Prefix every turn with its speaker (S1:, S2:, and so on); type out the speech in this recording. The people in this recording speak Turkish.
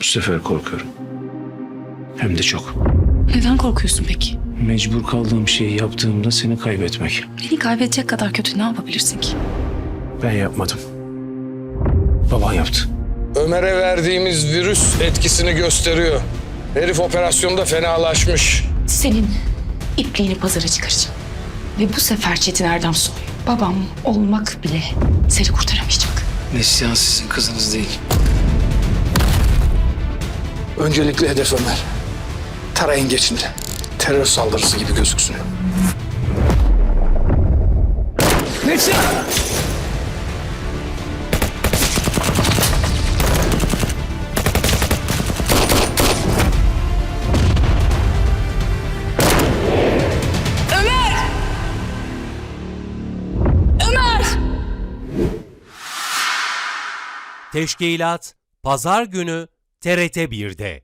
S1: Bu sefer korkuyorum. Hem de çok.
S2: Neden korkuyorsun peki?
S1: Mecbur kaldığım şeyi yaptığımda seni kaybetmek.
S2: Beni kaybedecek kadar kötü ne yapabilirsin ki?
S1: Ben yapmadım. Baban yaptı.
S3: Ömer'e verdiğimiz virüs etkisini gösteriyor. Herif operasyonda fenalaşmış.
S2: Senin ipliğini pazara çıkaracağım. Ve bu sefer Çetin Erdemsoy, babam olmak bile seni kurtaramayacak.
S1: Neslihan sizin kızınız değil.
S3: Öncelikle hedef Ömer. Tarayın geçin de. Terör saldırısı gibi gözüksün. Neslihan!
S4: Teşkilat Pazar günü TRT 1'de.